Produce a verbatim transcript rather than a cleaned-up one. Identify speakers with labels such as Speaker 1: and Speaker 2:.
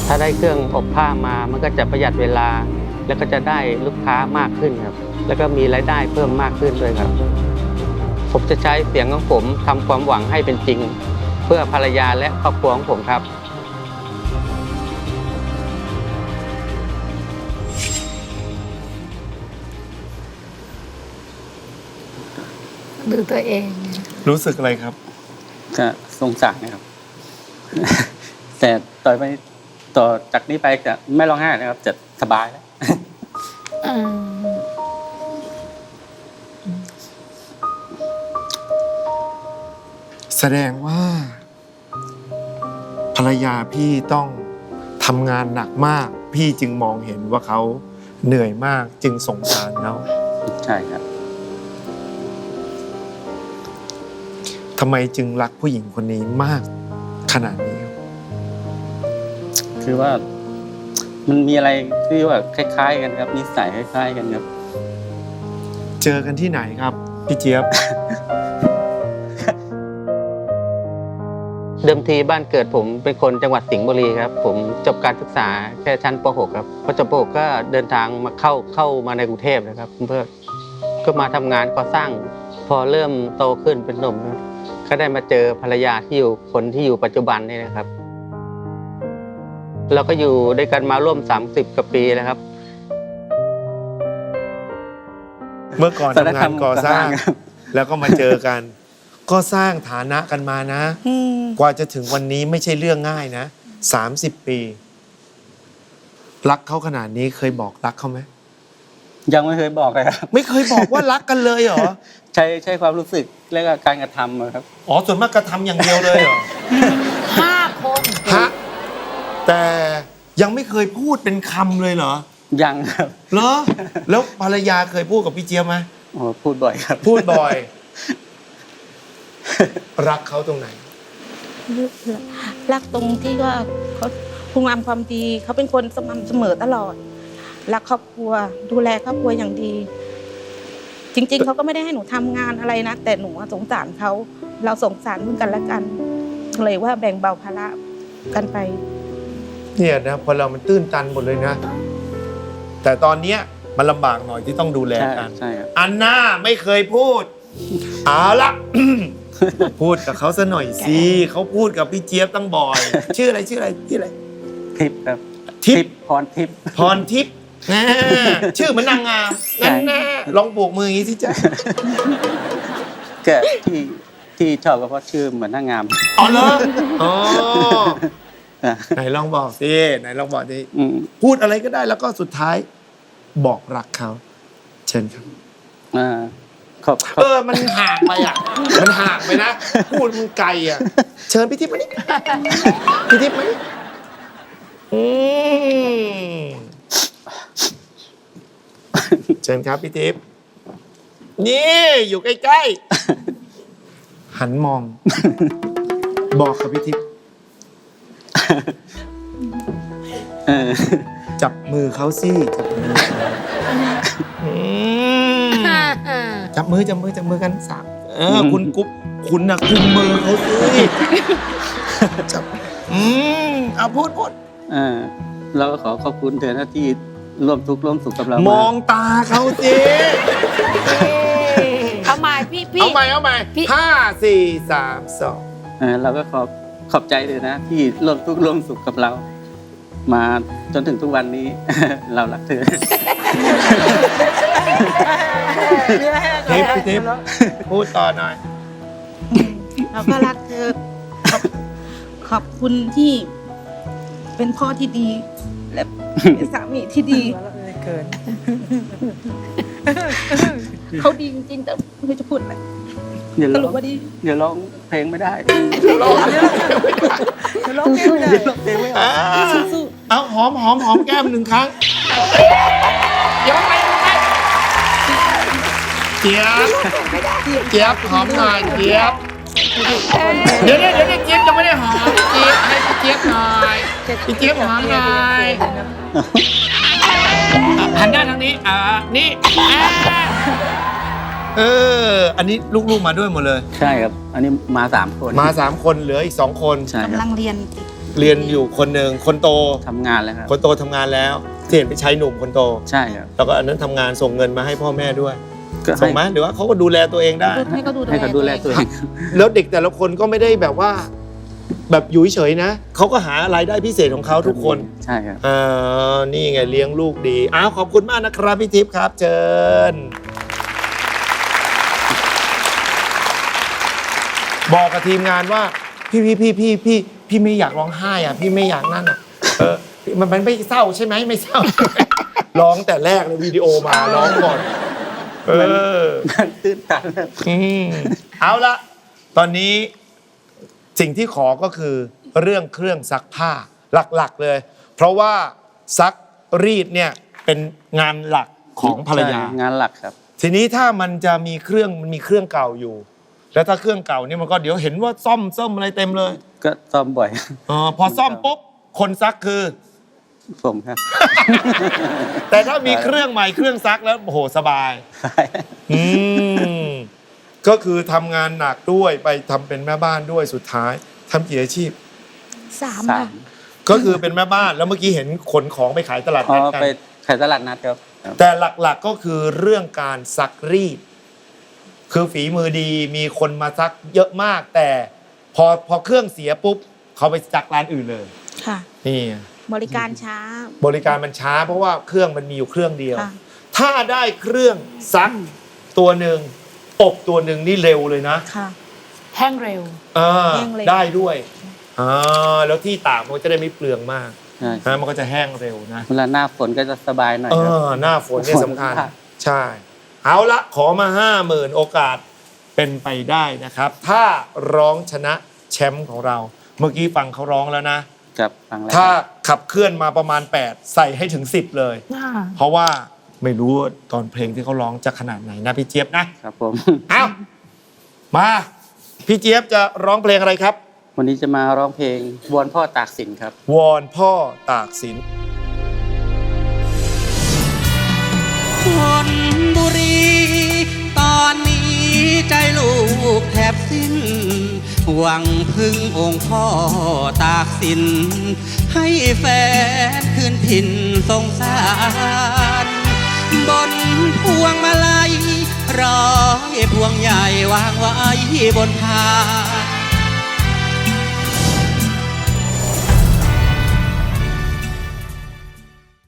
Speaker 1: ถ้าได้เครื่องอบผ้ามามันก็จะประหยัดเวลาแล้วก็จะได้ลูกค้ามากขึ้นครับแล้วก็มีรายได้เพิ่มมากขึ้นด้วยครับผมจะใช้เสียงของผมทำความหวังให้เป็นจริงเพื่อภรรยาและครอบครัวของผมครับ
Speaker 2: ดูตัวเอง
Speaker 3: รู้สึกอะไรครับ
Speaker 4: ก็สงสารนะครับ แต่ต่อไปต่อจากนี้ไปจะไม่ร้องไห้นะครับจะสบายแล้ว
Speaker 3: แสดงว่าภรรยาพี่ต้องทำงานหนักมากพี่จึงมองเห็นว่าเขาเหนื่อยมากจึงสงสารเขา
Speaker 4: ใช่ครับ
Speaker 3: ทำไมจึงรักผู้หญิงคนนี้มากขนาดนี้ครับ
Speaker 4: คือว่ามันมีอะไรที่ว่าคล้ายๆกันครับนิสัยคล้ายๆกันครับ
Speaker 3: เจอกันที่ไหนครับพี่เจี๊ยบ
Speaker 1: เดิมทีบ้านเกิดผมเป็นคนจังหวัดสิงห์บุรีครับผมจบการศึกษาแค่ชั้นป .หก ครับพอจบป .หก ก็เดินทางมาเข้าเข้ามาในกรุงเทพนะครับเพื่อก็มาทำงานก่อสร้างพอเริ่มโตขึ้นเป็นหนุ่มก็ได้มาเจอภรรยาที่อยู่คนที่อยู่ปัจจุบันนี่นะครับเราก็อยู่ด้วยกันมาร่วมสามสิบกว่าปีแล้วครับ
Speaker 3: เมื่อก่อนทำงานก่อสร้างแล้วก็มาเจอกันก็สร้างฐานะกันมานะกว่าจะถึงวันนี้ไม่ใช่เรื่องง่ายนะสามสิบปีรักเขาขนาดนี้เคยบอกรักเขาไหม
Speaker 4: ยังไม่เคยบอกเลยครับ
Speaker 3: ไม่เคยบอกว่ารักกันเลยเหรอ
Speaker 4: ใช้ใช้ความรู้สึกและก็การกระทำครับ
Speaker 3: อ๋อส่วนมากกระทำอย่างเดียวเลยเหรอ
Speaker 2: ห้าคน
Speaker 3: ฮะแต่ยังไม่เคยพูดเป็นคำเลยเหรอ
Speaker 4: ยังครับ
Speaker 3: เหรอแล้วภรรยาเคยพูดกับพี่เจี๊ยบไหม
Speaker 4: อ๋อพูดบ่อยครับ
Speaker 3: พูดบ่อยรักเขาตรงไหน
Speaker 5: รักตรงที่ว่าเขาคุณงามความดีเขาเป็นคนสม่ำเสมอตลอดรักครอบครัวดูแลครอบครัวอย่างดีจริงๆเขาก็ไม่ได้ให้หนูทำงานอะไรนะแต่หนูสงสารเขาเราสงสารซึ่งกันและกันเลยว่าแบ่งเบาภาระกันไป
Speaker 3: เนี่ยนะพอเรามันตื้นตันหมดเลยนะแต่ตอนเนี้ยมันลำบากหน่อยที่ต้องดูแลกันอันน่าไม่เคยพูดเอาละ พูดกับเขาซะหน่อยสิเขาพูดกับพี่เจี๊ยบตั้งบ่อยชื่ออะไรชื่ออะไรชื่ออะไร
Speaker 4: ทิพย์ครับ
Speaker 3: ทิพย์
Speaker 4: พรทิพย์
Speaker 3: พรทิพย์ชื่อเหมือนนางงามนั่นแน่ลองโบกมืออย่างนี้สิจ๊ะ
Speaker 4: แกที่ที่ชอบก็เพราะชื่อเหมือนนางงาม
Speaker 3: อ๋อเหรออ๋อไหนลองบอกสิไหนลองบอกดิพูดอะไรก็ได้แล้วก็สุดท้ายบอกรักเขาเชิญครับ
Speaker 4: อ่า
Speaker 3: เออมันห่างไปอ่ะมันห่างไปนะพูดมันไกลอ่ะเชิญพี่ทิพย์มานี่พี่ทิพย์มานี่อืมเชิญครับพี่ทิพย์นี่อยู่ใกล้ๆหันมองบอกกับพี่ทิพย์จับมือเขาสิจับมือจับมือจับมือจับมือกันสามเออคุณกุ๊บคุณน่ะกุมมือเขาสิจับอืมเอาพูดพูด
Speaker 4: อ่าเราก็ขอขอบคุณเธอหน้าที่ร่วมทุกข์ร่วมสุขกับเรา
Speaker 3: มองตาเขาสิ
Speaker 2: เอาใหม่พี่พี่
Speaker 3: เอาใหม่เอาใหม่ห้าสี่สามสอง
Speaker 4: อ่าเราก็ขอบขอบใจเลยนะที่ร่วมทุกข์ร่วมสุขกับเรามาจนถึงทุกวันนี้ เรารักเธอ
Speaker 3: ทิพย์ทิพย์พูดต่อหน่อย
Speaker 5: เราก็รักเธอขอบคุณที่เป็นพ่อที่ดีและเป็นสามีที่ดีเกินเขาดีจริงๆแต่ไม่จะพูดอะไรสรุปว่าดี
Speaker 4: เดี๋ยวร้องเพลงไม่ได้
Speaker 3: ร้องเพลงไม่ได้
Speaker 5: ร้องเพลงไม่ได้
Speaker 4: ร้องเพลงไม่ได้
Speaker 3: เอาหอมหอมหอมแก้มหนึ่งครั้งยกไปเจี๊ยบเจี๊ยบหอมหน่อยเจี๊ยบเดี๋ยวเดี๋ยวเดี๋ยวเจี๊ยบจะไม่ได้หอมเจี๊ยบให้เจี๊ยบหน่อยพี่เจี๊ยบหอมหน่อยหันหน้าทางนี้อ่านี่เอออันนี้ลูกๆมาด้วยหมดเลย
Speaker 4: ใช่ครับอันนี้มาสามคน
Speaker 3: มาสามคนเหลืออีกสองคน
Speaker 5: กำลังเรียน
Speaker 3: เรียนอยู่คนหนึ่งคนโต
Speaker 4: ทำงานแล้วครับ
Speaker 3: คนโตทำงานแล้วที่เห็นไปใช้หนุ่มคนโต
Speaker 4: ใช่ครับ
Speaker 3: แล้วก็อันนั้นทำงานส่งเงินมาให้พ่อแม่ด้วย
Speaker 4: ก็
Speaker 3: ส่
Speaker 4: ให้
Speaker 3: งไหมหรือว่าเขาก็ดูแลตัวเองได้
Speaker 5: ให้เขาดู
Speaker 4: ให้เขาดูแลตัวเอง
Speaker 3: แล้วเด็กแต่ละคนก็ไม่ได้แบบว่า แบบอยู่เฉยๆนะเขาก็หารายได้พิเศษของเขาทุกคน
Speaker 4: ใช่ครับ
Speaker 3: อ่านี่ไงเลี้ยงลูกดีอ้าวขอบคุณมากนะครับพี่ทิพย์ครับเชิญบอกกับทีมงานว่าพี่พี่พี่พี่พี่พี่ไม่อยากร้องไห้อ่ะพี่ไม่อยากนั่นอ่ะเออมันมันไม่เศร้าใช่ไหมไม่เศร้า ร้องแต่แรกเลยวิดีโอมาร้องก่อนเออ
Speaker 4: ตื้นตันครับ
Speaker 3: อืมเอาละตอนนี้สิ่งที่ขอก็คือเรื่องเครื่องซักผ้าหลักๆเลย เพราะว่าซักรีดเนี่ยเป็นงานหลักของภรรยา
Speaker 4: ใช่งานหลักครับ
Speaker 3: ทีนี้ถ้ามันจะมีเครื่องมันมีเครื่องเก่าอยู่ แล้วถ้าเครื่องเก่านี่มันก็เดี๋ยวเห็นว่าซ่อมซ่อมอะไรเต็มเลย
Speaker 4: ก็ซ่อมบ่อย
Speaker 3: ออพอซ่อมปุ๊บคนซักคือ
Speaker 4: ผมครับ
Speaker 3: แต่ถ้ามีเครื่องใหม่เครื่องซักแล้วโอ้โหสบาย อืมก็คือทำงานหนักด้วยไปทำเป็นแม่บ้านด้วยสุดท้ายทำกี่อาชีพ
Speaker 5: สาม
Speaker 4: สา
Speaker 5: ค่ะ
Speaker 4: ม
Speaker 3: ก็คือเป็นแม่บ้านแล้วเมื่อกี้เห็นขนของไปขายตลาด
Speaker 4: อ๋อ
Speaker 3: นัดกัน
Speaker 4: ไปขายตลาดนัดครับครับ
Speaker 3: แต่หลักๆก็คือเรื่องการซักรีด คือฝีมือดีมีคนมาซักเยอะมาก แต่พอพอเครื่องเสียปุ๊บเขาไปซักร้านอื่นเลย
Speaker 5: ค่ะ
Speaker 3: นี่
Speaker 5: บริการช้า
Speaker 3: บริการมันช้าเพราะว่าเครื่องมันมีอยู่เครื่องเดียว
Speaker 5: ค่ะ
Speaker 3: ถ้าได้เครื่องซักตัวหนึ่งอบตัวหนึ่งนี่เร็วเลยนะ
Speaker 5: ค่ะ
Speaker 2: แห้งเร็ว
Speaker 3: อ่า
Speaker 5: แห้งเร็ว
Speaker 3: ได้ด้วยอ่าแล้วที่ตากมันก็จะได้ไม่เปลืองมาก
Speaker 4: ใช่
Speaker 3: นะมันก็จะแห้งเร็วนะ
Speaker 4: เวลาหน้าฝนก็จะสบายหน่อย
Speaker 3: เอ
Speaker 4: ครับ
Speaker 3: อหน้าฝนเนี่ยสำคัญ
Speaker 4: ฝนค่ะ
Speaker 3: ใช่ เอาละขอมาห้าหมื่นโอกาสเป็นไปได้นะครับ ถ้าร้องชนะแชมป์ของเรา เมื่อกี้ฟังเขาร้องแล้วนะ
Speaker 4: กับฟังแล้ว
Speaker 3: ถ้าขับเคลื่อนมาประมาณแปดใส่ให้ถึงสิบเลย เพราะว่าไม่รู้ว่าตอนเพลงที่เขาร้องจะขนาดไหนนะพี่เจี๊ยบนะครับ
Speaker 4: ผม
Speaker 3: เอามาพี่เจี๊ยบจะร้องเพลงอะไรครับ
Speaker 4: วันนี้จะมาร้องเพลงวอนพ่อตากสินครับ
Speaker 3: วอนพ่อตากสิน
Speaker 6: คนบุรี ตอนนี้ใจลูกแทบสิ้น หวังพึ่งองค์พ่อตากสิน ให้แฟนคืนถิ่นสงสาร บนพวงมาลัยร้อยพวงใหญ่วางไว้บนพาน